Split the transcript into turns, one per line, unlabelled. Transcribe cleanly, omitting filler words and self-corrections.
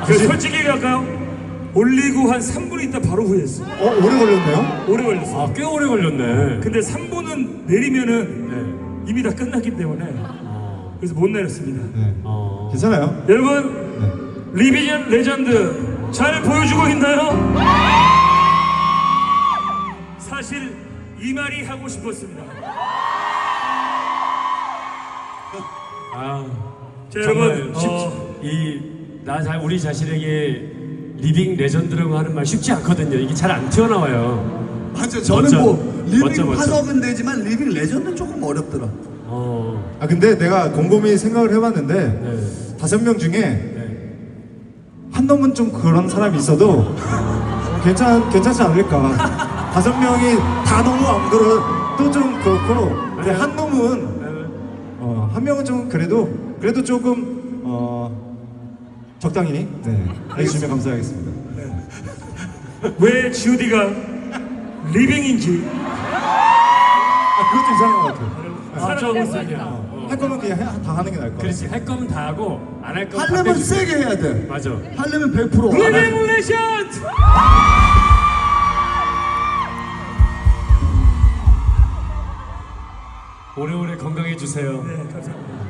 솔직히 얘기할까요? 올리고 한 3분 있다 바로 후회했어.
오래 걸렸네요?
오래 걸렸어.
아, 꽤 오래 걸렸네.
근데 3분은 내리면은 이미 다 끝났기 때문에 그래서 못 내렸습니다.
네. 괜찮아요.
여러분 리비전 레전드 잘 보여주고 있나요? 사실 이 말이 하고 싶었습니다.
아,
자,
정말
여러분
우리 자신에게 리빙 레전드라고 하는 말 쉽지 않거든요. 이게 잘 안 튀어나와요.
맞아. 저는
멋져.
뭐 리빙
멋져.
화석은 되지만 리빙 레전드는 조금 어렵더라.
근데 내가 곰곰이 생각을 해봤는데
네.
5명 중에 한 놈은 좀 그런 사람이 있어도 괜찮지 않을까. 5명이 다 너무 안 그러 또 좀 그렇고 근데 한 놈은 한 명은 좀 그래도 조금 적당히 해주시면 감사하겠습니다.
왜 G.O.D가 리빙인지
그것도 이상한 것 같아요.
살아가고 있었냐.
할 거면 그냥 다 하는 게 나을 것 같아요.
그렇지. 할 거면 다 하고 안 할 거면
하려면
다
세게 해야 돼.
맞아.
하려면 100%.
리빙 레전드!
오래오래 건강해 주세요.
네, 감사합니다.